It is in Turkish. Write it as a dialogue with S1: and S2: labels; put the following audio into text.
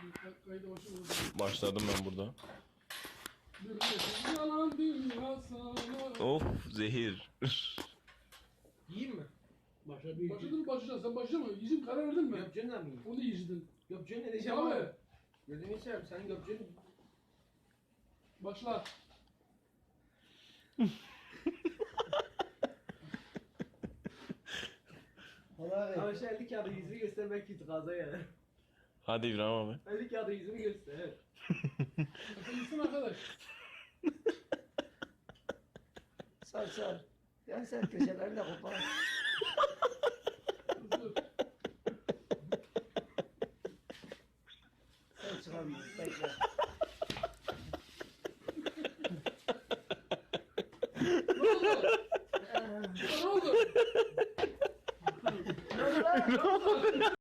S1: Kayda başlamadım.
S2: Başladım ben burada.
S1: Yalan dünya sana.
S2: Of zehir.
S3: Yiyeyim mi?
S1: Başladın mı başlayacaksın? Sen başlama. Yiyeceğim karar verdin mi?
S3: Göpçen'le mi yiyeyim?
S1: Onu yiyeceksin.
S3: Göpçen'le ne diyeceğim
S1: Abi.
S3: abi? Gözünü seveyim sen Göpçen...
S1: Başla.
S3: Ama şu 50 kağıdı yüzünü göster belki itikaza gelir.
S2: Hadi İbrahim abi.
S3: 50 kağıdı yüzünü göster.
S1: Sen arkadaş.
S4: Sar sar. Yani sen köşelerini de kopar.
S1: Dur.
S4: Sen çıkamıyorsun. Bekle.
S1: Ne oldu? Ne oldu?
S4: Ne oldu lan?